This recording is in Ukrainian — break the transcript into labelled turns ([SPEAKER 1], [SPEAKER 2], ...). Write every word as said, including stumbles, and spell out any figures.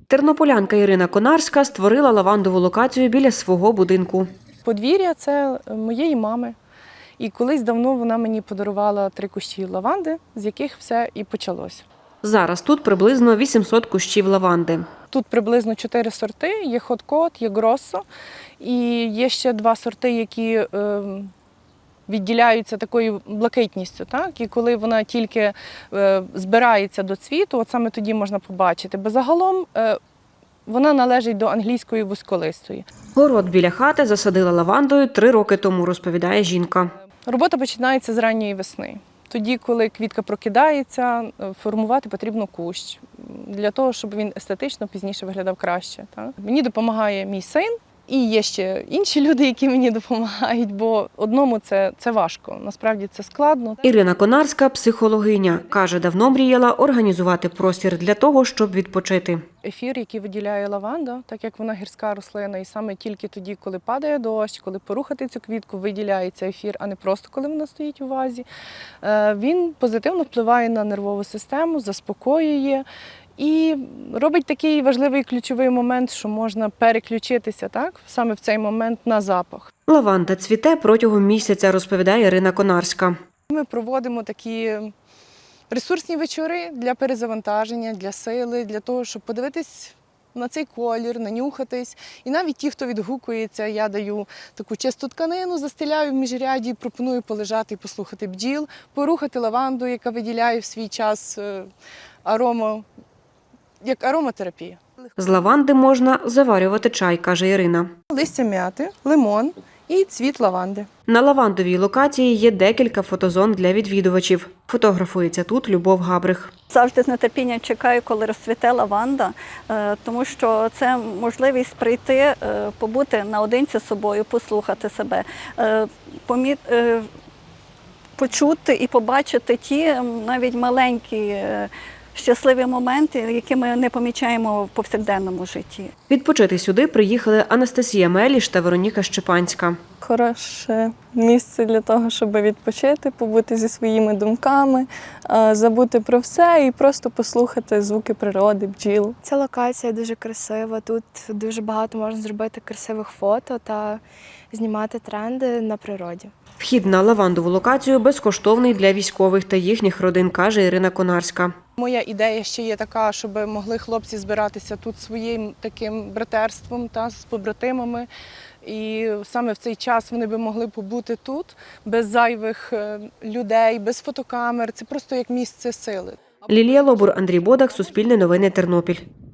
[SPEAKER 1] Тернополянка Ірина Конарська створила лавандову локацію біля свого будинку.
[SPEAKER 2] Подвір'я – це моєї мами. І колись давно вона мені подарувала три кущі лаванди, з яких все і почалося.
[SPEAKER 1] Зараз тут приблизно вісімсот кущів лаванди.
[SPEAKER 2] Тут приблизно чотири сорти, є хот-кот, є гроссо, і є ще два сорти, які е, відділяються такою блакитністю. Так? І коли вона тільки е, збирається до цвіту, от саме тоді можна побачити. Бо загалом е, вона належить до англійської вузьколистої.
[SPEAKER 1] Город біля хати засадила лавандою три роки тому, розповідає жінка.
[SPEAKER 2] Робота починається з ранньої весни. Тоді, коли квітка прокидається, формувати потрібно кущ, для того, щоб він естетично пізніше виглядав краще. Так? Мені допомагає мій син, і є ще інші люди, які мені допомагають, бо одному це, це важко, насправді це складно.
[SPEAKER 1] Ірина Конарська – психологиня. Каже, давно мріяла організувати простір для того, щоб відпочити.
[SPEAKER 2] Ефір, який виділяє лаванда, так як вона гірська рослина, і саме тільки тоді, коли падає дощ, коли порухати цю квітку, виділяється ефір, а не просто коли вона стоїть у вазі, він позитивно впливає на нервову систему, заспокоює і робить такий важливий ключовий момент, що можна переключитися так, саме в цей момент на запах.
[SPEAKER 1] Лаванда цвіте протягом місяця, розповідає Ірина Конарська.
[SPEAKER 2] Ми проводимо такі ресурсні вечори для перезавантаження, для сили, для того, щоб подивитись на цей колір, нанюхатись. І навіть ті, хто відгукується, я даю таку чисту тканину, застеляю в міжряді, пропоную полежати і послухати бджіл, порухати лаванду, яка виділяє в свій час арому, як ароматерапія.
[SPEAKER 1] З лаванди можна заварювати чай, каже Ірина.
[SPEAKER 2] Листя м'яти, лимон і цвіт лаванди.
[SPEAKER 1] На лавандовій локації є декілька фотозон для відвідувачів. Фотографується тут Любов Габрих.
[SPEAKER 3] Завжди з нетерпінням чекаю, коли розцвіте лаванда, тому що це можливість прийти, побути наодинці з собою, послухати себе, почути і побачити ті навіть маленькі щасливі моменти, які ми не помічаємо в повсякденному житті.
[SPEAKER 1] Відпочити сюди приїхали Анастасія Меліш та Вероніка Щепанська.
[SPEAKER 4] Хороше місце для того, щоб відпочити, побути зі своїми думками, забути про все і просто послухати звуки природи, бджіл.
[SPEAKER 5] Ця локація дуже красива, тут дуже багато можна зробити красивих фото та знімати тренди на природі.
[SPEAKER 1] Вхід на лавандову локацію безкоштовний для військових та їхніх родин, каже Ірина Конарська.
[SPEAKER 2] Моя ідея ще є така, щоб могли хлопці збиратися тут своїм таким братерством та з побратимами. І саме в цей час вони би могли побути тут, без зайвих людей, без фотокамер. Це просто як місце сили.
[SPEAKER 1] Лілія Лобур, Андрій Бодак, Суспільне новини, Тернопіль.